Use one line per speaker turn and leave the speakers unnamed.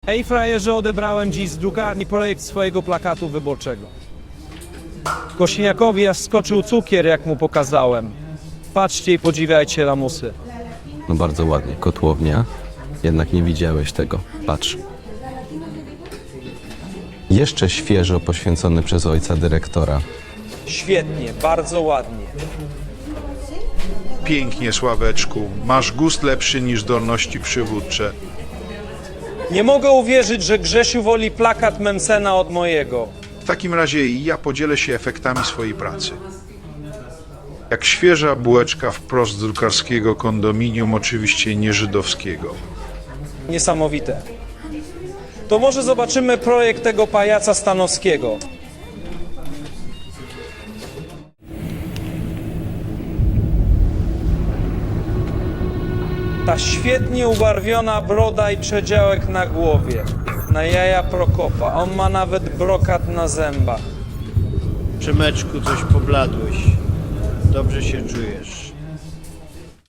Ej frajerze, odebrałem dziś z drukarni projekt swojego plakatu wyborczego. Kośniakowi aż skoczył cukier, jak mu pokazałem. Patrzcie i podziwiajcie lamusy.
No bardzo ładnie, kotłownia. Jednak nie widziałeś tego. Patrz. Jeszcze świeżo poświęcony przez ojca dyrektora.
Świetnie, bardzo ładnie.
Pięknie, Sławeczku. Masz gust lepszy niż zdolności przywódcze.
Nie mogę uwierzyć, że Grzesiu woli plakat Mencena od mojego.
W takim razie i ja podzielę się efektami swojej pracy. Jak świeża bułeczka wprost z drukarskiego kondominium, oczywiście nie żydowskiego.
Niesamowite. To może zobaczymy projekt tego pajaca Stanowskiego. Ta świetnie ubarwiona broda i przedziałek na głowie. Na jaja Prokopa. On ma nawet brokat na zębach.
Przemeczku, coś pobladłeś. Dobrze się czujesz.